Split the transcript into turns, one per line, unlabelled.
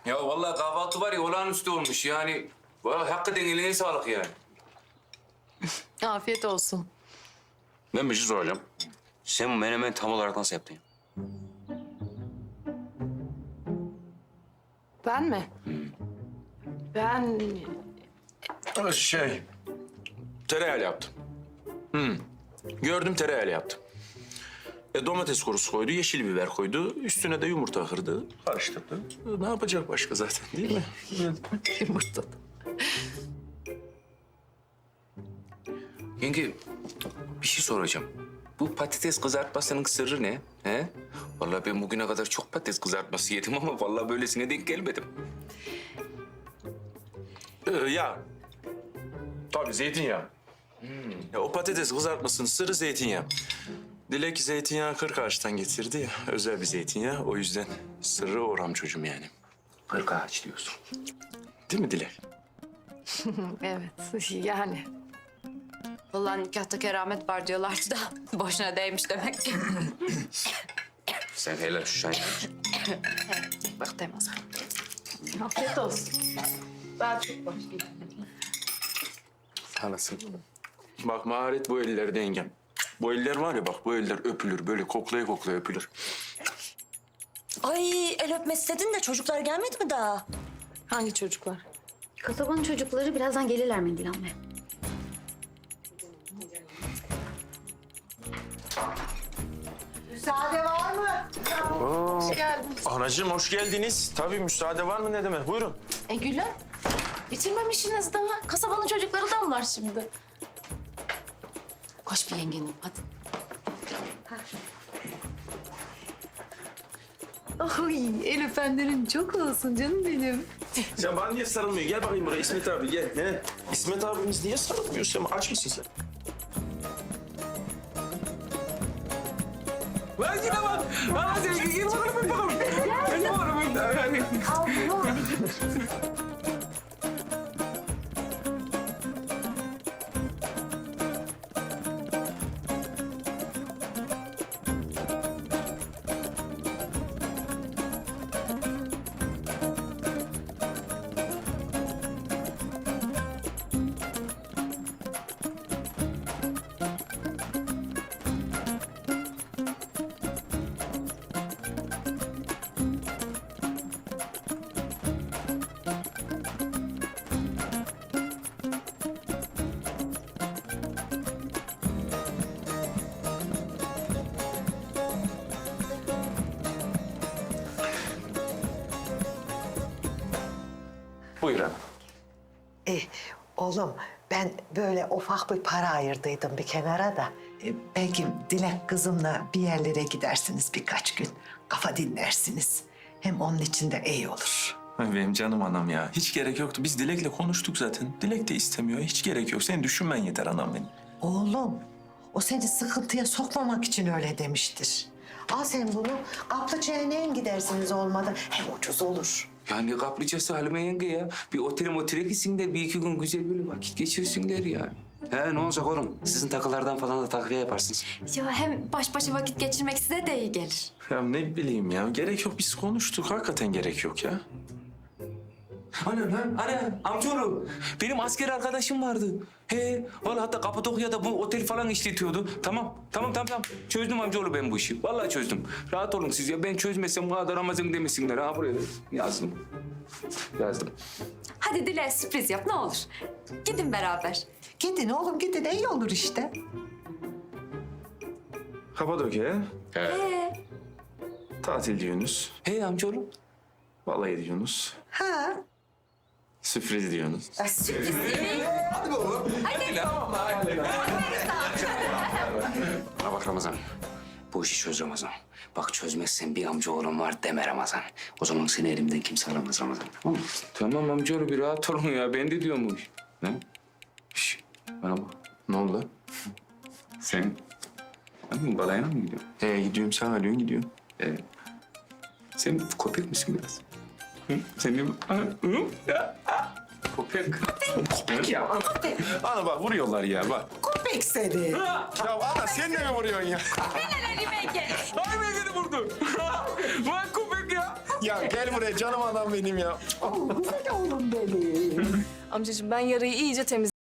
Ya vallahi kahvaltı var ya olağanüstü olmuş yani. Vallahi hakikaten eline sağlık yani.
Afiyet olsun.
Ben bir şey soracağım. Sen bu menemen tam olarak nasıl yaptın?
Ben mi? Ben...
Tereyağıyla yaptım. Gördüm tereyağıyla yaptım. Domates kurusu koydu, yeşil biber koydu. Üstüne de yumurta kırdı, karıştırdı. Ne yapacak başka zaten değil mi?
Yumurta.
Yenge bir şey soracağım. Bu patates kızartmasının sırrı ne? He? Vallahi ben bugüne kadar çok patates kızartması yedim ama vallahi böylesine denk gelmedim.
Ya. Tabii zeytinyağı. Ya, o patates kızartmasının sırrı zeytinyağı. Dilek zeytinyağı Kırkağaç'tan getirdi ya. Özel bir zeytinyağı. O yüzden sırrı oram çocuğum yani.
Kırkağaç diyorsun.
Değil mi Dilek?
Evet yani. Vallahi nikahta keramet var diyorlardı da boşuna değmiş demek ki.
Sen helal şu çayını iç.
Bak Temaz. Afiyet olsun. Ben çok başlayayım.
Anasın. Bak maharet bu ellerde yengem. Bu eller var ya bak bu eller öpülür. Böyle koklaya koklaya öpülür.
Ay el öpme istedin de çocuklar gelmedi mi daha?
Hangi çocuklar?
Kasabanın çocukları birazdan gelirler mendil almaya.
Müsaade var mı?
Hoş geldin.
Anacığım hoş geldiniz. Tabii müsaade var mı ne demek? Buyurun.
Gülüm. Bitirmemişsiniz daha. Kasabanın çocukları da var şimdi. Koş bir yengenim hadi. Ay el öpenlerin çok olsun canım benim.
Sen bana niye sarılmıyor? Gel bakayım buraya İsmet abi gel. Ne? İsmet abimiz niye sarılmıyor? Sen aç mısın sen?
Lan yine bak. Lan sen gel bakalım bir bakalım. Gel bakalım.
Buyur hanım.
Oğlum ben böyle ufak bir para ayırdıydım bir kenara da. Belki Dilek kızımla bir yerlere gidersiniz birkaç gün. Kafa dinlersiniz. Hem onun için de iyi olur.
Ay benim canım anam ya. Hiç gerek yoktu. Biz Dilek'le konuştuk zaten. Dilek de istemiyor. Hiç gerek yok. Sen düşünmen yeter anam benim.
Oğlum o seni sıkıntıya sokmamak için öyle demiştir. Al sen bunu kaplı çeneğe gidersiniz olmadı. Hem ucuz olur.
Ya ne kaplıcası Halime yenge ya. Bir otele gitsinler, bir iki gün güzel böyle vakit geçirsinler yani.
He ne olacak oğlum? Sizin takılardan falan da takviye yaparsınız.
Ya hem baş başa vakit geçirmek size de iyi gelir.
Ya ne bileyim ya. Gerek yok. Biz konuştuk. Hakikaten gerek yok ya.
Ana amcaoğlu. Benim asker arkadaşım vardı. He, vallahi hatta Kapadokya'da bu otel falan işletiyordu. Tamam. Çözdüm amcaoğlu ben bu işi. Vallahi çözdüm. Rahat olun siz ya. Ben çözmesem bu kadar Ramazan demesinler. Ha buraya yazdım.
Hadi Dile sürpriz yap ne olur. Gidin beraber.
Gidin oğlum gidin iyi olur işte.
Kapadokya.
Ee,
Tatil diyorsunuz.
He amcaoğlu.
Vallahi diyorsunuz.
Ha.
Sürpriz diyorsunuz.
Bana bak Ramazan. Bu işi çöz Ramazan. Bak çözmezsen bir amca oğlum var deme Ramazan. O zaman seni elimden kimse alamaz Ramazan. Tamam mı?
Tamam amcaoğlu bir rahat olun ya. Ben de diyorum bu iş. Ne? Şş, bana bak.
Ne oldu lan?
Sen balayına mı gidiyorsun?
Gidiyorum sen arıyorsun gidiyorum.
Sen köpek misin biraz? Hı? Sen bir... Hı? Ya. Köpek. Köpek ya.
Ana bak vuruyorlar ya bak.
Köpek seni.
Ya ana sen de mi vuruyorsun ya?
Ay beni vurdu. Vay köpek ya.
Ya gel buraya canım adam benim ya.
Güzel oğlum benim.
Amcacığım ben yarayı iyice